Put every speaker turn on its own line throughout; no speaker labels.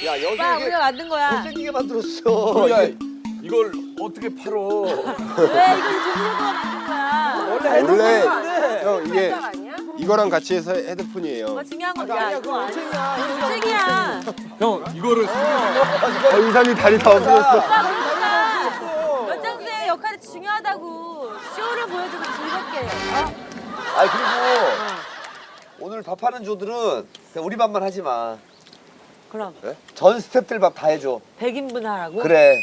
야 여기
오빠 우리가 만든 거야.
못생기게 만들었어.
야, 이걸 어떻게 팔어?
왜 이거 종로가 만든 거야?
원래 형 이게 이거랑 같이 해서 헤드폰이에요.
뭐 중요한 건 야, 이거 아니야. 책이야.
형, 이거를
의상이 다리 다 없어졌어.
오빠 그러니까 연장생 역할이 중요하다고. 쇼를 보여주고 즐겁게.
아니 그리고 오늘 밥 하는 조들은 그냥 우리 밥만 하지 마.
그럼
전 스태프들 밥 다 해줘.
100인분 하라고?
그래.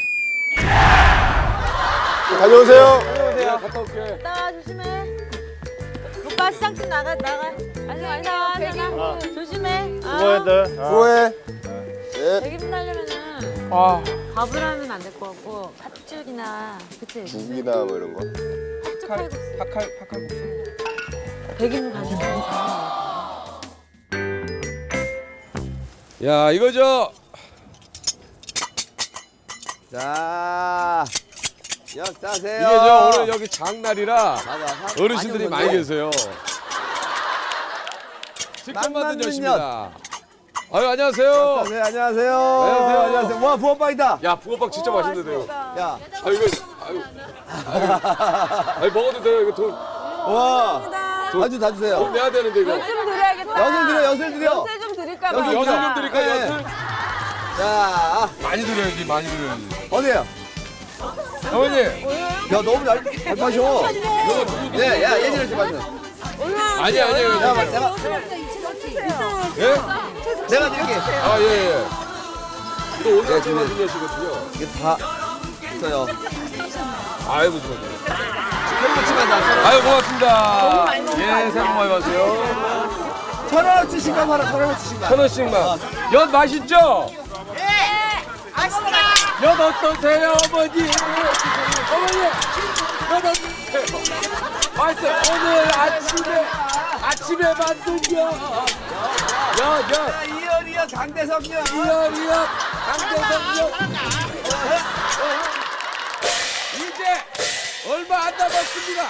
다녀오세요.
내가 갔다 올게.
나가 조심해. 오빠 시상식 나가. 아니 나와. 조심해.
수고했다. 수고해. 네.
100인분 하려면은 밥을 하면 안 될 것 같고 팥죽이나 그치?
죽이나 뭐 이런 거.
팥죽 칼국수.
파칼국수.
100인분 가지고.
야, 이거
자, 역사세요.
이게 오늘 여기 장날이라
맞아.
어르신들이 많이 계세요. 직접 만든
만만한
엿입니다. 아유, 안녕하세요.
네, 안녕하세요. 안녕하세요. 와, 부업빵이다.
야, 붕어빵 진짜 맛있는데요.
야,
아, 이거 아유, 먹어도 돼요. 이거 돈
와. 아주 다 주세요.
내야 되는데 이거.
좀 드려야겠다.
엿을 드려.
엿을 좀 드릴까 봐.
엿을
엿을 좀 드릴까?
네.
엿을
자,
많이 드려야지, 많이 드려야지.
어디에요?
어머니,
야, 너무 잘 마셔. 네, 야, 예전에 좀 마셔.
아니에요.
야, 내가
예?
내가 드릴게.
아, 예. 이거 오늘 아침 만든 엿이거든요.
이게 다 있어요.
아이고, 좋아요.
햄버치만 나.
아유, 고맙습니다. 예, 새해 복 많이 받으세요.
1,000원어치 신감 하나, 1,000원어치 신감.
1,000원씩만. 엿 맛있죠?
네.
엿 어떠세요, 어머니? 어머니, 엿 어떠세요? 맛있어요. 오늘 아침에 만든 엿. 엿.
이열이야, 장대석이야.
이열이요. 강대성역. 이제 얼마 안 남았습니다.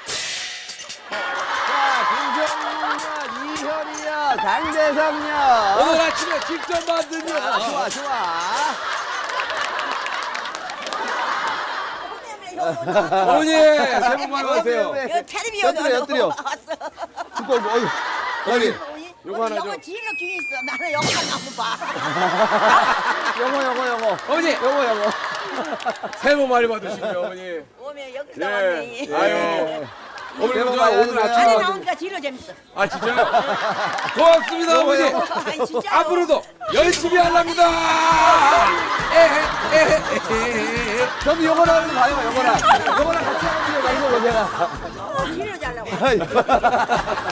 자, 김정민이야, 이현이야, 장대석이야.
오늘 아침에 직접 만든 엿.
좋아.
어머니, 새해 복 많이 받으세요.
테레비
엿드려. 듣고, 어이.
어머니, 요거 하나 줘.
영어 뒤로 귀 있어. 나는 영어만 한번 봐.
영어.
어머니,
영어.
새해 복 많이 받으시고요, 어머니.
오면 여기
네.
나왔네.
아유. 어머니,
새해 복
저
많이
오늘
받으세요.
아침에
안에
만든
나오니까 뒤로 재밌어.
아, 진짜요? 고맙습니다, 어머니.
아니 진짜.
앞으로도 열심히 하랍니다.
저도 영어랑 하는 거 봐요, 영어랑 같이 하는 거 이거 제가.
뒤로 잘라고.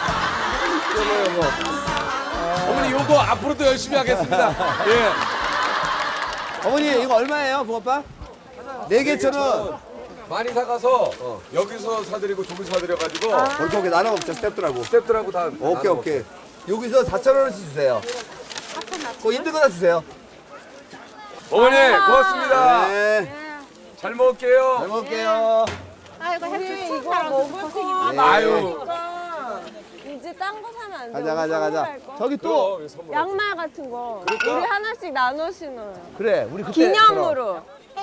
어머니, 요거 앞으로도 열심히 하겠습니다. 예.
어머니, 이거 얼마예요, 붕어빵? 4개 1,000원.
많이 사가서 여기서 사드리고 저기서 사드려가지고
오케이, 나눠 먹자, 스태프들하고.
스태프들하고 다
오케이. 여기서 4,000원어치 주세요. 그거 힘든 거다 주세요.
어머니, 고맙습니다.
네.
잘 먹을게요.
잘 먹을게요.
아이고 햇빛 이거 먹을 거
네.
아유.
이제 딴 거 사면 안 돼.
가자. 저기 또.
그럼 선물.
양말 같은 거 우리 하나씩 나눠 신어요.
그래, 우리 그때.
기념으로.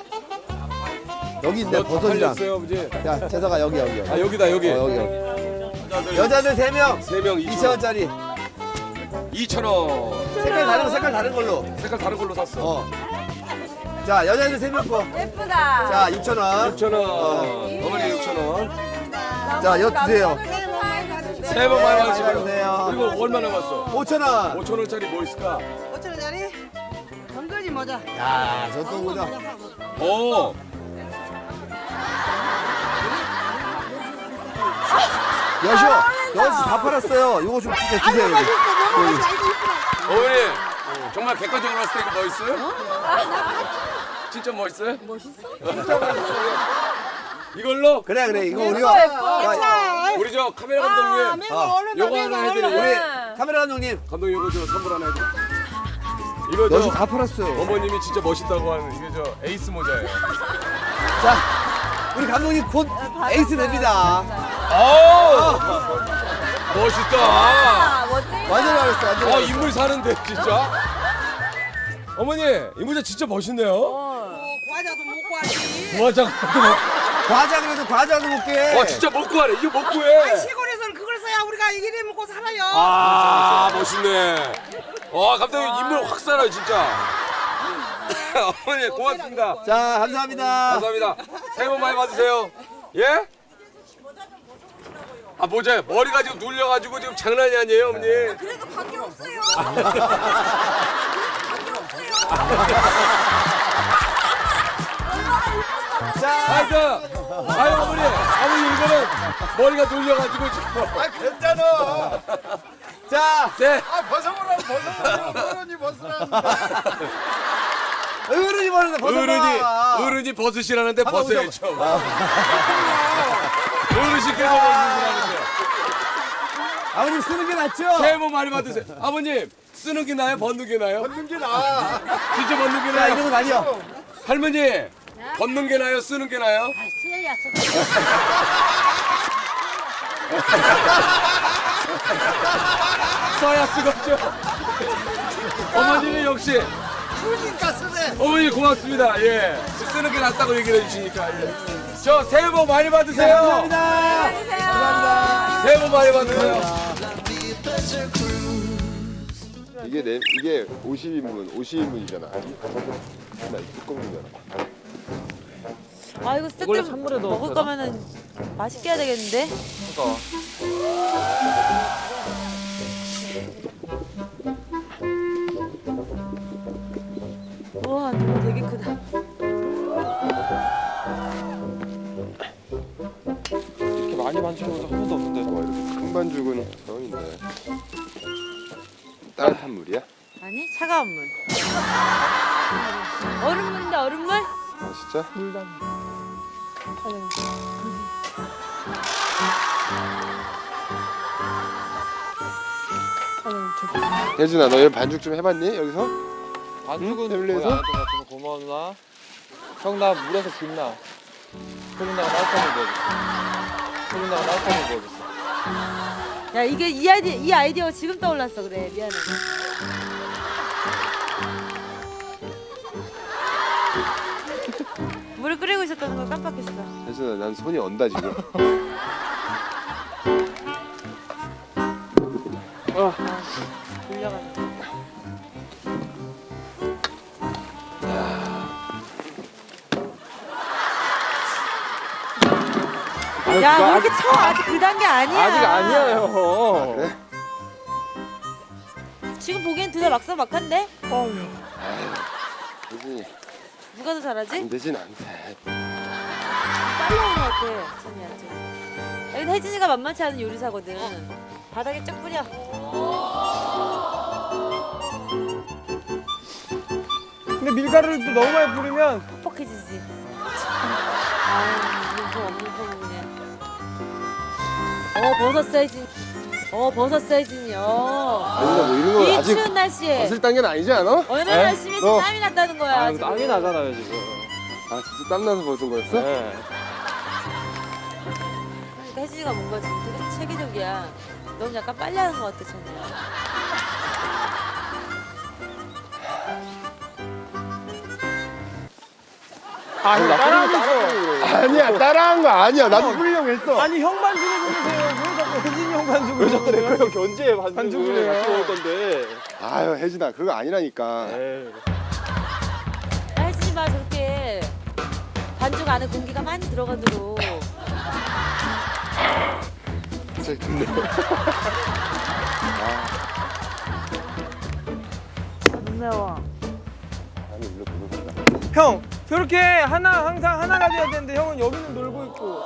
여기 있네, 버섯이랑.
살렸어요, 아버지.
야, 재석아, 여기.
아, 여기다, 여기.
여기. 여자들 3명.
3명
2,000원짜리.
2,000원.
색깔 다른 걸로.
색깔 다른 걸로 샀어.
자, 여자들 3명 거.
예쁘다.
자, 6,000원.
6,000원. 어머니 6,000원.
자, 엿 주세요.
새해 복 많이 받으시고요.
받으세요.
그리고 얼마 남았어?
5,000원.
5,000원짜리 뭐 있을까?
5천원짜리 건거지 모자.
야, 저또 보자.
오.
엿이 다 팔았어요. 이거 좀 주세요. 여기.
어머니, 정말 객관적으로 봤을 때 이거 멋있어요? 진짜 멋있어요? 이걸로
그래, 이거 우리가.
우리 저 카메라 감독님 요거 하나 해드리고
우리 카메라 감독님.
감독님 이거 저 선물 하나 해드리고 이거
엿이
저
다 팔았어요.
어머님이 진짜 멋있다고 하는 이게 저 에이스 모자예요.
자, 우리 감독님 곧 에이스 됩니다.
멋있다.
아, 멋지.
완전 잘했어, 완전 잘했어.
인물 사는데 진짜. 어머니 이 모자 진짜 멋있네요.
과자도 먹고 하지.
과자
그래도 과자도 먹게.
진짜 먹고 하네. 이거 먹고 해.
시골에서는 그걸 써야 우리가 이래 먹고 살아요.
아 멋있네. 감독님 인물 확 살아요 진짜. 어머니 고맙습니다.
자, 감사합니다.
감사합니다. 새해 복 많이 받으세요. 예? 모자요. 머리가 지금 눌려가지고 지금 장난이 아니에요, 어머니.
그래도 관계 없어요.
어머니 이거는 머리가 눌려가지고 지금.
괜찮아. 자,
네.
벗어보라고 어른이 벗으라는데.
어른이 버는데 벗어봐.
어른이 벗으시라는데
한번
벗어야죠. 어르신께서 벗으시라는데.
아버님 쓰는 게 낫죠?
새해 복 많이 받으세요. 아버님 쓰는 게 나아요, 벗는 게 나아요?
벗는 게 나아.
진짜 벗는 게
자,
나아요?
이러고 다녀.
할머니 벗는 게 나아요, 쓰는 게 나아요?
수혜야,
써야 쓰겠죠. 어머니는 역시.
그러니까 쓰네.
어머니 고맙습니다. 예, 쓰는 게 낫다고 얘기를 해주시니까. 예. 저 새해 복 많이 받으세요.
감사합니다. 감사합니다.
새해 복 많이 받으세요.
이게 50인분이잖아. 나 뚜껑이잖아.
아, 이거 세트 먹을 거면은 맛있게 해야 되겠는데? 우와, 이거 되게 크다.
이렇게 많이 만지는 것도 한 번도 없는데.
이렇게 큰 반죽은 처음인데. 따뜻한 물이야?
아니, 차가운 물. 얼음물인데, 얼음물?
진짜? 혜진아, 너 이런 반죽 좀 해봤니? 여기서?
반죽은 거의
텔레에서?
안 했던 것 같으면 고마워 누나. 형 나 물에서 빛나. 소민나가 따뜻한 물 부어줬어. 소민나가 따뜻한 물 부어줬어.
야, 이게 이 아이디어가 지금 떠올랐어. 그래, 미안해. 물을 끓이고 있었다는 걸 깜빡했어.
혜진아, 난 손이 언다 지금.
돌려가는. 야, 왜 이렇게 쳐? 아직 그 단계 아니야.
아직 아니야 형.
그래?
지금 보기엔 둘 다 막상막한데?
혜진이,
누가 더 잘하지?
안 되진 않대.
빨리 하는 것 같아, 찬이한테. 여긴 혜진이가 만만치 않은 요리사거든. 바닥에 쫙 뿌려.
근데 밀가루를 또 너무 많이 뿌리면
퍽퍽해지지. 아유, 무슨 없는 소문이네. 버섯 사이즈. 버섯 사이즈요.
혜진아, 뭐 이런 거
이
아직
추운 날씨에
벗을 단계는 아니지 않아?
얼마나
에?
열심히 해서
너.
땀이 났다는 거야.
아,
지금.
땀이 나잖아요 지금.
아, 진짜 땀나서 벗은 거였어?
네.
그러니까 혜진이가 뭔가 지금 되게 체계적이야. 넌 약간 빨리 하는 것 같아, 찬이야.
아, 형 따라하고 있어.
아니야, 따라한 거 아니야. 나도 뿌리려고 했어.
아니 형 반죽을 보세요. 왜 자꾸 혜진이 형 반죽을? 왜 자꾸 내 거형 견제 반죽을 해요? 같이 먹을 건데.
아유, 혜진아, 그거 아니라니까.
에이.
혜진이 봐, 저렇게 반죽 안에 공기가 많이 들어가도록.
갑자기 듣네.
안 매워.
아니, 일로 보는 거야.
형 저렇게 항상 하나가 돼야 되는데 형은 여기는 놀고 있고.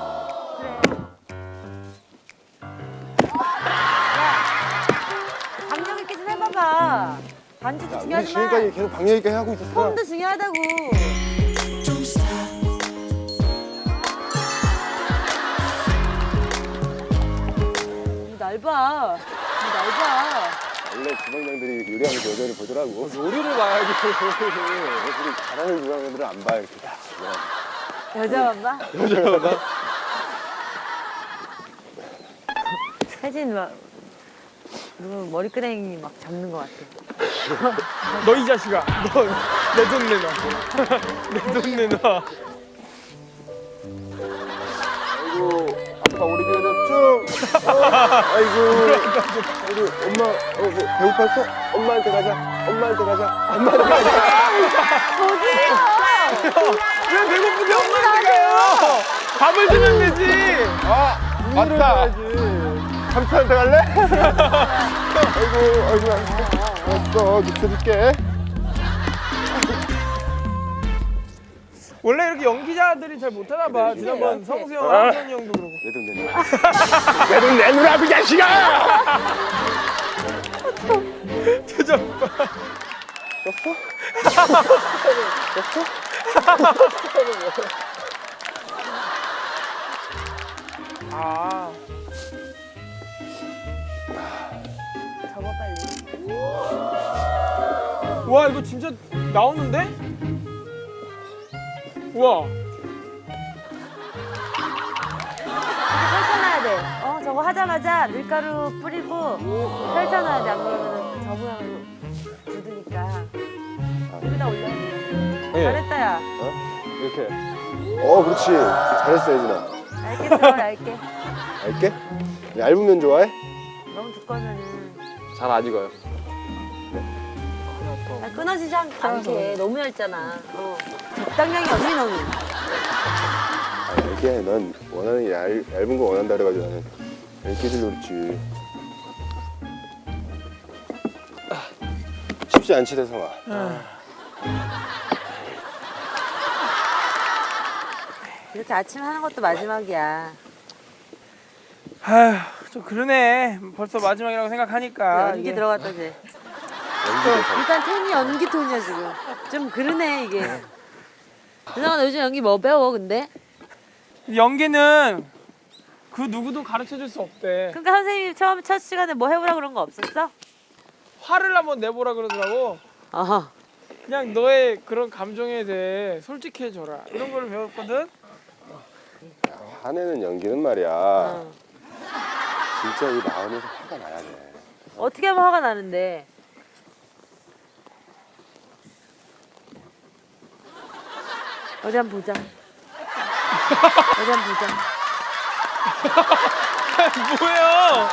강력 있게 좀 해봐봐. 반죽도
우리
중요하지만
지금까지 계속 방역 있게 하고 있었어.
폼도 중요하다고. 날 봐. 날 봐.
원래 주방장들이 요리하는 여자를 보더라고.
요리를 봐야지.
애들이 잘하는 주방장들은 안 봐, 이렇게 다.
여자만 봐? 혜진 봐. 그리고 머리끄댕이 막 잡는 것 같아.
너 이 자식아. 너 내 돈 내놔. 내 돈 내놔.
아이고 아빠 우리 교회는 쭉. 아이고 우리 엄마 뭐 배고팠어? 엄마한테 가자. 엄마한테 가자. 엄마한테 가자.
왜 배고픈데 엄마한테 가요? 밥을 주면 되지.
아 맞다. 삼촌한테 갈래? 아이고 알았어 눕혀줄게.
원래 이렇게 연기자들이 잘 못하나 봐. 지난번 성수 형, 한선이 형도 그러고.
내 돈 내놔. 내 돈 내놓으라고 이 자식아!
표정 봐.
썼어?
아.
접어 빨리.
와 이거 진짜 나오는데? 우와.
펼쳐놔야 돼. 저거 하자마자 밀가루 뿌리고 펼쳐놔야 돼. 안 그러면 저 모양으로 굳으니까. 여기다 올려야지. 잘했다, 야.
이렇게. 그렇지. 잘했어 예진아.
얇게 썰어, 얇게.
알게? 얇은 면 좋아해?
너무 두꺼우면은
잘 안 익어요.
끊어지지 않게. 너무 얇잖아. 적당량이 언니 너는.
알게. 난 원하는 얇은 거 원한다 그래가지고 나는 얇게 주려고 그랬지. 쉽지 않지 대성아.
이렇게 아침 하는 것도 마지막이야.
아휴 좀 그러네. 벌써 마지막이라고 생각하니까.
연기
이게.
들어갔다 쟤.
연기 대성.
일단 톤이 연기 톤이야 지금. 좀 그러네 이게. 누나가 너 요즘 연기 뭐 배워 근데?
연기는 그 누구도 가르쳐 줄 수 없대.
그러니까 선생님이 처음 첫 시간에 뭐 해보라 그런 거 없었어?
화를 한번 내보라 그러더라고.
어허.
그냥 너의 그런 감정에 대해 솔직해져라. 이런 걸 배웠거든.
화내는 연기는 말이야. 진짜 이 마음에서 화가 나야 돼.
어떻게 하면 화가 나는데? 어디 한번 보자. 어디 한번 보자.
뭐예요?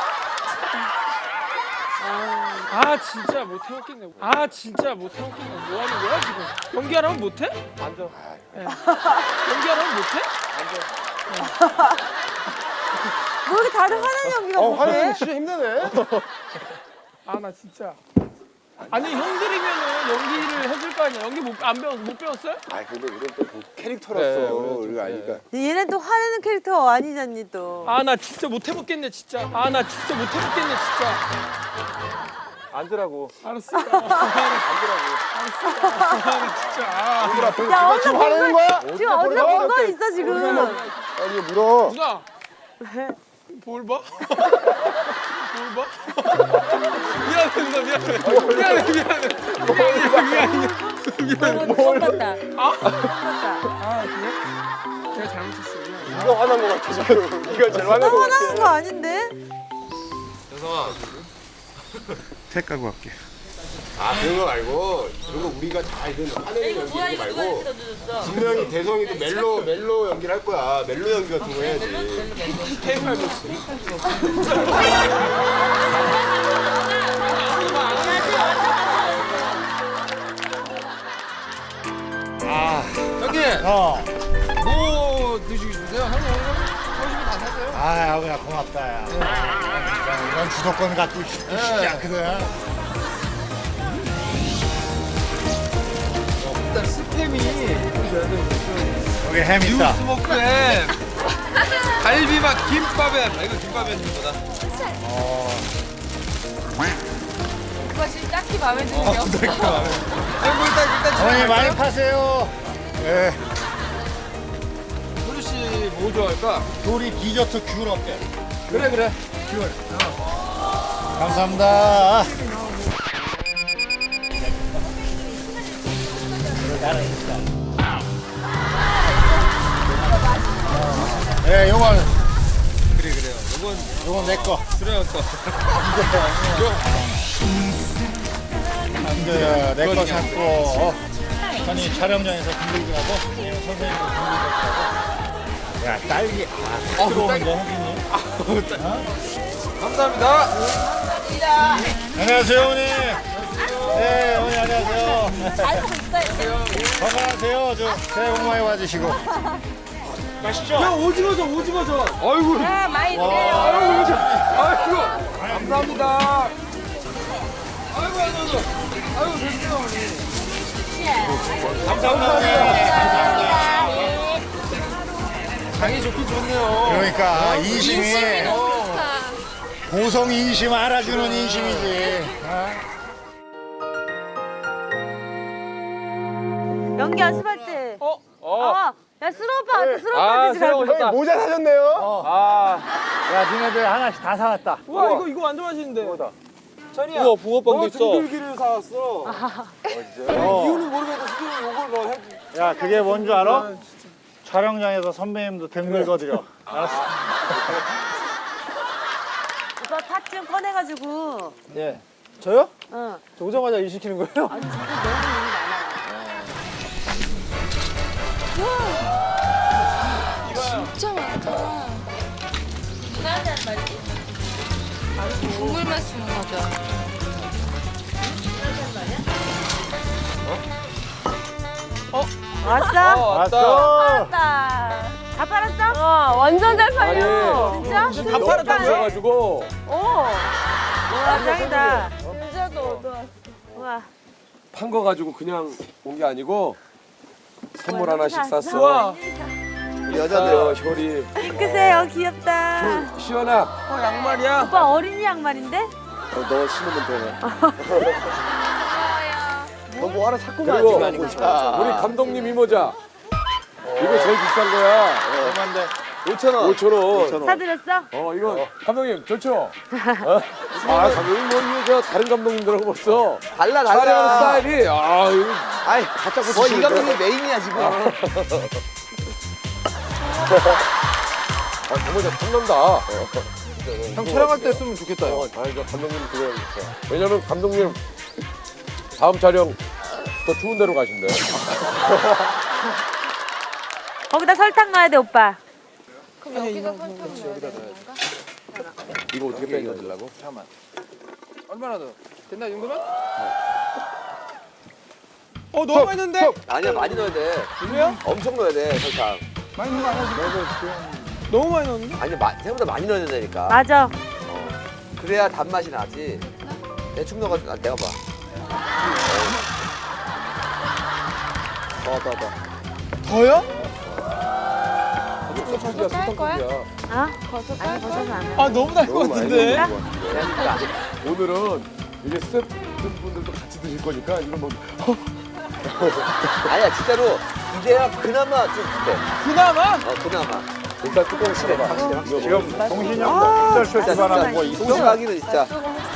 아 진짜 못 해먹겠네. 아 진짜 못 해먹겠네. 뭐 하는 거야 지금? 연기하라면 못해? 앉아. 연기하라면 못해?
뭐 이렇게 다들 화내는 연기가 못해?
화내는 진짜 힘드네.
아 나 진짜. 아니 형들이면은 연기를 해줄 거 아니야. 연기 못 배웠어요?
아 근데 우리는 또 그 캐릭터라서 우리가 아니까.
얘는 또 화내는 캐릭터 아니잖니 또.
아 나 진짜 못 해먹겠네 진짜. 아 나 진짜 못 해먹겠네 진짜.
앉으라고.
알았어. 앉으라고. 알았어. 아 진짜.
얘들아
야,
지금 화내는 거야?
지금 어디서 본 건 있어 지금.
아니 물어.
누나.
왜?
뭘 봐? 뭘 봐? 미안해 누나 미안해. 미안해.
너무 똑같다.
아 그래? 내가 잘못했어. 미안해.
네가 화난 거 같아 지금. 네가 제일 화난 거 같아.
화나는 거 아닌데?
아 그런 거 말고 그런 거 우리가 다 이런 화내는 연기 이런 거 말고 분명히 대성이도 멜로 연기를 할 거야. 멜로 연기 같은 거 해야지.
형님. 뭐 드시고 싶으세요? 형님 오늘 소식이 다 샀어요?
아, 야, 고맙다, 야. 이런 주도권 갖고 쉽지 않거든.
일단 스팸이
여기 햄 있다.
스모크 햄 갈비맛 김밥에 이거 김밥에 주거다.
누가 지금 딱히 마음에 드는 게 없어.
뭐 일단
어머니 많이 파세요. 예.
소주 씨뭐 좋아할까?
요리 디저트 귤 어때?
그래.
귤. 감사합니다. 예, 요거
그래요. 이건
요건 내 거.
그래 거.
남자야 내 거 샀고. 아니 촬영장에서 등글기 하고 선생님도 등글기 하고. 야 딸기. 들어오는데 혜진이.
감사합니다.
안녕하세요 어머니. 네 어머니 안녕하세요. 건강하세요. 저 새해 복 많이 받으시고. 맛있죠?
야 오징어전. 아이고.
네, 많이 드세요.
아이고. 감사합니다. 아이고 됐습니다 어머니.
감사합니다.
장이 좋긴 좋네요.
그러니까 인심이 고성 인심 알아주는 인심이지.
연기 연습할 때. 야, 수로 오빠, 수로
아,
오빠 집에
새로
가고.
오셨다.
모자 사줬네요.
야 니네들 하나씩 다 사왔다.
우와 이거 완전 맛있는데. 찬이야.
우와 붕어빵도 있어.
등글기를 사왔어.
이유는 모르겠는데 수준이 요걸 너 해.
야 그게 뭔 줄 알아? 촬영장에서 선배님도 댕글거드려. 알았어.
오빠 팥 좀 꺼내가지고.
예. 저요?
응.
저 오자마자 일 시키는 거예요?
아니, 지금 너무 일이 많아.
진짜 많다. 국물 마시는 거죠.
왔어?
왔어.
왔다. 다 팔았어? 완전 잘 팔려. 진짜?
다 팔았다고요?
그래가지고
오. 와, 짱이다.
진짜도 얻어왔어.
우와.
판 거 가지고 그냥 온 게 아니고 선물 하나씩 샀어.
우와.
우리 여자들.
효리.
핑크색, 귀엽다.
시원아.
양말이야.
오빠 어린이 양말인데?
너 신으면 되네.
너 뭐 하나 샀구만.
그리고
지금.
우리 감독님 이 모자. 이거 제일 비싼 거야.
얼마인데?
5,000원.
5,000원.
사드렸어?
이거 감독님 좋죠? 아 감독님 뭐 이거 저 다른 감독님들하고 벌써
달라
촬영 스타일이 이거
아이,
갖다
뭐 이
붙이시는데.
감독이 메인이야 지금.
정말 잘 탐난다.
형 촬영할 때 쓰면 좋겠다. 요
저 감독님 그래야겠어. 왜냐면 감독님 다음 촬영 더 추운 데로 가신대.
거기다 설탕 넣어야 돼, 오빠.
그럼 여기다 설탕 넣어야 되는 건가?
이거 어떻게 빼겨드려고
잠깐만. 얼마나 더? 됐나 이 정도면? 너무 많이 넣는데?
아니야 많이 넣어야 돼.
그래요?
엄청 넣어야 돼 설탕.
많이 넣는 거 아니야? 너무 많이 넣었는데?
아니 생각보다 많이 넣어야 된다니까.
맞아.
그래야 단맛이 나지. 대충 넣어가지고 내가 봐. 더.
더요?
소떡이야 소떡이야.
어? 아니, 버섯은 안 해.
아 너무 달 것 같은데?
오늘은 이게 스태프분들도 같이 드실 거니까 이거 뭐
아니야 진짜로 이제야 그나마 좀 돼.
그나마?
그나마.
일단 뚜껑 씌워봐.
지금 동신이 형도 썰 출발하는 거 있어?
동시하기는 진짜.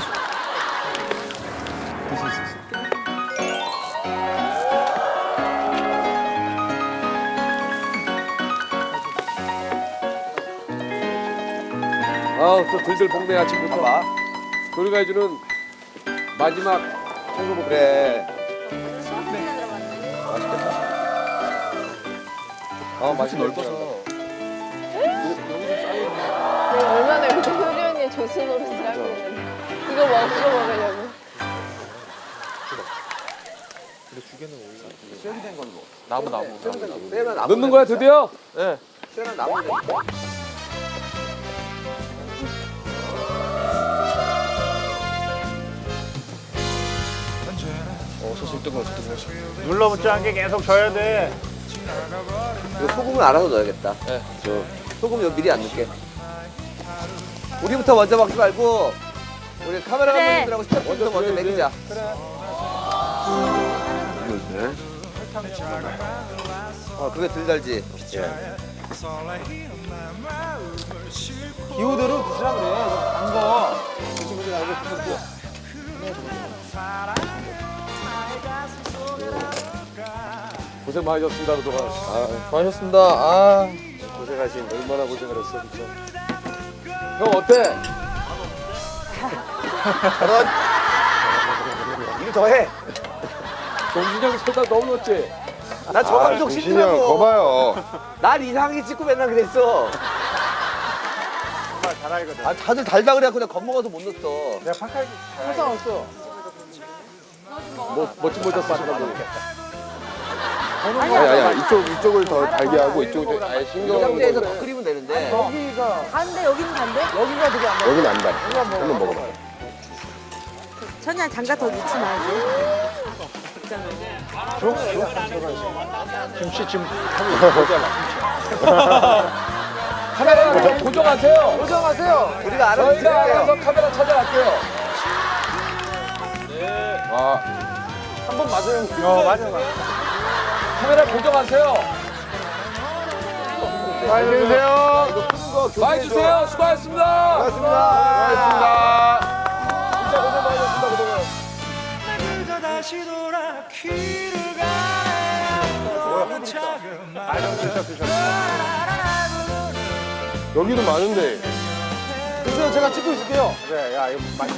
또 들들 볶네 아침부터.
봐봐.
우리가 해주는 마지막 청소부
그래.
맛이 넓어서.
내가 얼마나 요즘 효리 언니의 조수 노릇을 하고 있는데. 이거 먹으려고.
나무.
세나 나무.
넣는 거야 드디어?
세나 나무.
눌러붙지 않게 계속 져야 돼.
이거 소금을 알아서 넣어야겠다.
네.
저 소금 이거 미리 안 넣게. 우리부터 먼저 먹지 말고 우리 카메라
그래.
감독님들하고 스태프분들 먼저
줘야지.
먹이자. 그게 덜 달지.
기호대로 드시라 그래. 단 거.
고생 많으셨습니다 그동안.
많으셨습니다.
고생하신 얼마나 고생을 했어 진짜. 형 어때?
이거 더 해.
정신이 형 소다 너무 높지?
나 저 감독
진이 형,
싫더라고.
거봐요.
날 이상하게 찍고 맨날 그랬어.
정말 잘 알거든.
아, 다들 달다 그래갖고 내가 겁먹어서 못 넣었어.
내가 파카이
항상 왔어. 멋진 모자 쓰시고.
아니야, 이쪽을 더 달게 하고 이쪽을 더 아예 신경을
상태에서 더 끓이면 되는데.
간대 여기는 간대?
여기가 되게 안 맞아.
여기는 안 달. 한번 먹어봐.
천이야 장갑 더 넣지 말고.
김치 지금 하고 있잖아.
카메라 고정하세요.
고정하세요. 우리가 알아서
저희가 알아서
드릴게요.
카메라 찾아갈게요.
한 번 맞아요.
맞아.
카메라 고정하세요.
많이 드세요.
이거 푸는 거 교체해줘.
많이 주세요. 수고하셨습니다.
고맙습니다.
진짜 고생 많으셨습니다. 그동안.
여기도 많은데.
그래서 제가 찍고 있을게요.
그래, 야, 이거 많이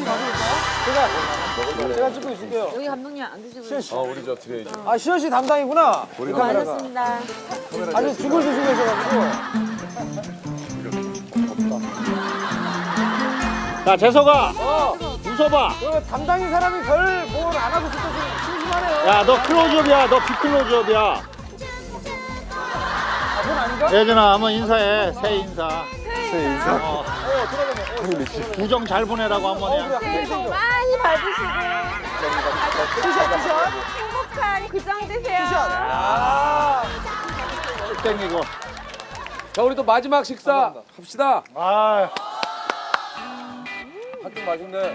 제가 찍고 있을게요.
여기 감독님 안 드시고.
우리 저 드레이지.
아, 시현 씨 담당이구나.
수고하셨습니다.
아주 죽을 드시고 계셔가지고.
자, 재석아. 웃어봐.
그 담당인 사람이 별 뭘 안 하고 있을 때 좀 심심하네요.
야, 너 클로즈업이야. 너 비클로즈업이야. 예전아, 한번 인사해. 새해 인사.
새 인사.
어. 구정 잘 보내라고 한번 해.
새해 복 많이 받으시고 행복한 구정 되세요.
땡기고.
자, 우리 또 마지막 식사 합시다.
아,
한쪽 맛있네.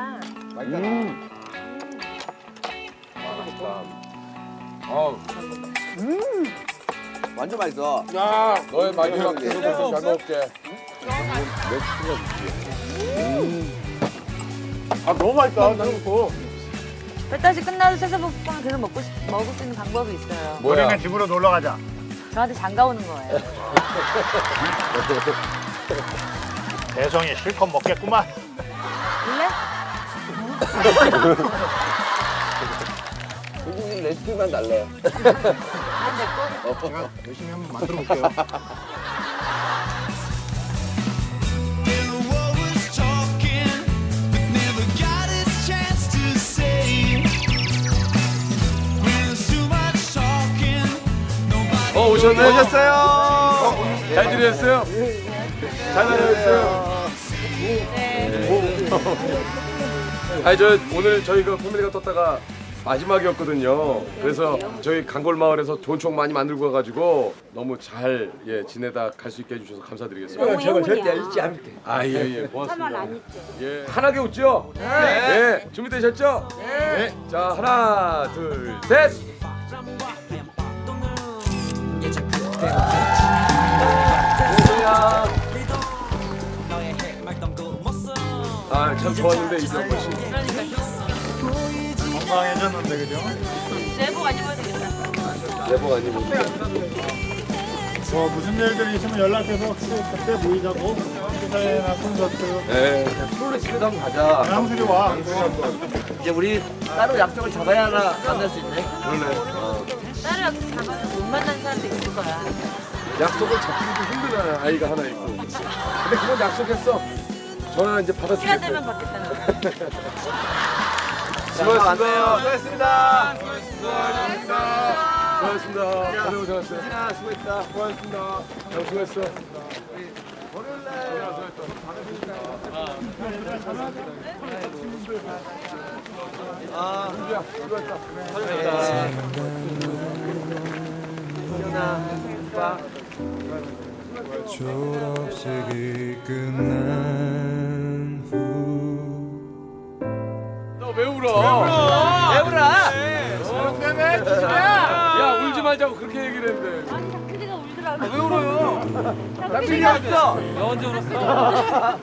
완전 맛있어.
야, 너의 마지막 계속 잘 먹을게.
아, 너무 맛있다.
뱃다시 끝나도 세서볶음을 계속 먹을 수 있는 방법이 있어요.
뭐야?
우리는 집으로 놀러 가자.
저한테 장가 오는 거예요.
대성이 실컷 먹겠구만.
원래?
선생님 레시피만 달라요.
안 됐고.
제가 열심히 한번 만들어 볼게요.
오셨네.
오셨어요.
잘 지내셨어요? 잘 다녀오셨어요? 아니, 저 오늘 저희가 패밀리가 떴다가 마지막이었거든요. 그래서 저희 강골 마을에서 좋은 추억 많이 만들고 가가지고 너무 잘 지내다 갈 수 있게 해주셔서 감사드리겠습니다.
너무 행운이야.
않을게.
아, 예,
참말
고맙습니다.
안 잊죠.
예, 환하게 웃죠? 네. 준비되셨죠? 네. 자, 하나, 둘, 셋. 아, 참 좋았는데 이정권 씨.
건강해졌는데, 그죠?
내복 안 입어도 되겠다.
내복 안 입고.
무슨 일들이 있으면 연락해서 그때 모이자고. 회사나 콘서트.
네.
프로레 집에도 한번 가자.
양수리 와.
이제 우리 따로 약속을 잡아야 하나 만날 수 있네.
그러네.
다른 약속 잡아서 못 만나는 사람도 있을 거야.
약속을 잡기도 힘들잖아요. 아이가 하나 있고. 근데 그건 약속했어. 전화 이제
시간
받아주겠어요.
되면 받겠다는 거.
수고하셨습니다.
수고했습니다.
수고하셨습니다. 고생 고생하셨어요.
수고했다.
수고하셨습니다. 형 수고했어.
아,
수고했다.
졸업식이 끝난 후
너 왜 울어?
왜 울어?
야, 울지 말자고 그렇게 얘기를 했는데.
아니 닭피디가 울더라고.
왜 울어요? 나 필요 없어.
나 언제 울었어?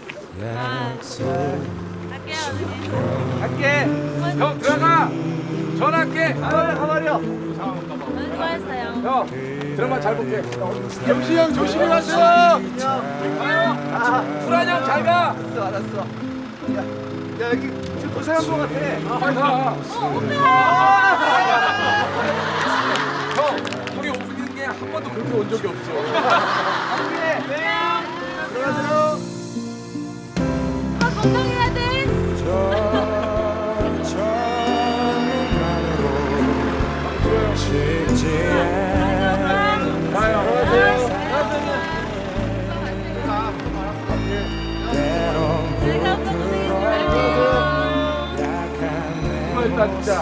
약속
갈게요.
갈게.
형 들어가.
전화할게. 가만히요.
수고했어요.
형, 드라마 잘 볼게.
영시 형 조심히 가세요.
불안 형 잘 가.
알았어. 야 여기 좀 고생한 것 같아.
빨리 가. 형, 우리 오프닝 게 한 번도 그렇게 온 적이 없어.
건강해야 돼.
수고했다 진짜.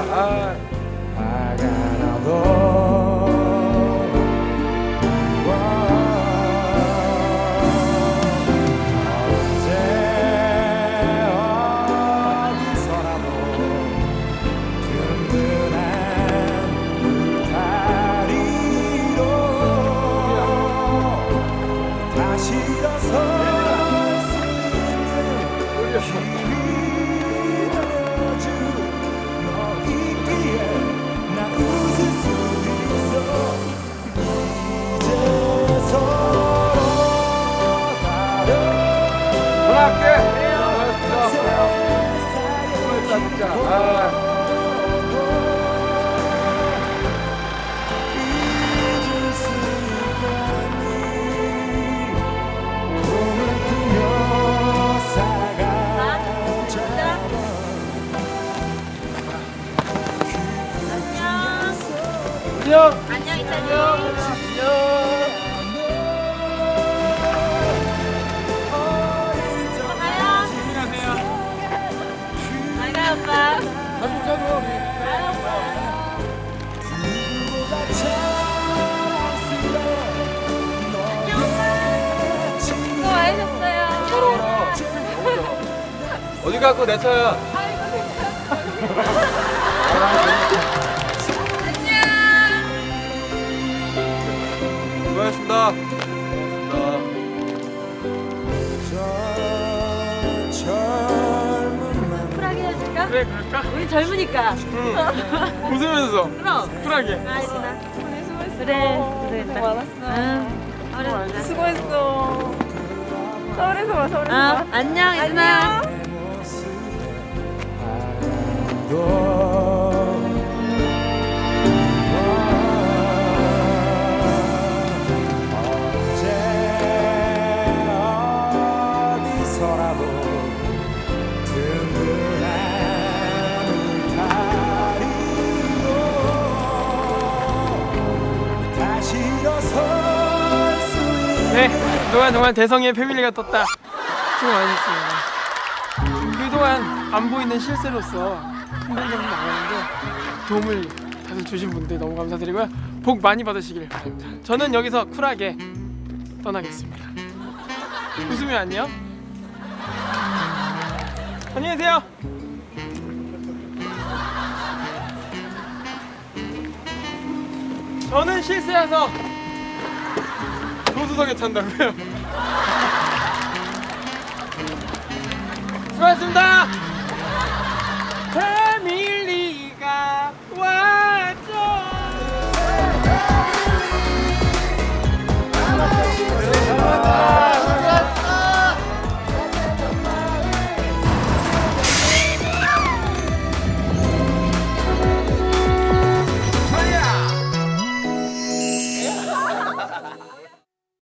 전화할게. 수고했다 진짜.
안녕 이찬이. 잘 가요 오빠. 수고 많으셨어요.
어디 갔고 내 차야. 수고하셨습니다.
쿨하게 해줄까?
그래 그럴까?
우리 젊으니까.
웃으면서
그럼.
쿨하게.
아이구나. 그래. 고생했다.
많았어.
응. 서울에서
수고했어. 서울에서 봐, 서울에서 봐.
안녕 이준아.
네, 그동안 정말 대성의 패밀리가 떴다. 수고 많으셨습니다. 그동안 안 보이는 실세로서 힘든 점이 많았는데 도움을 다들 주신 분들 너무 감사드리고요. 복 많이 받으시길 바랍니다. 저는 여기서 쿨하게 떠나겠습니다. 웃으면 안녕. 안녕히 계세요. 저는 실세여서 조수석에 찬다고요. 수고하셨습니다.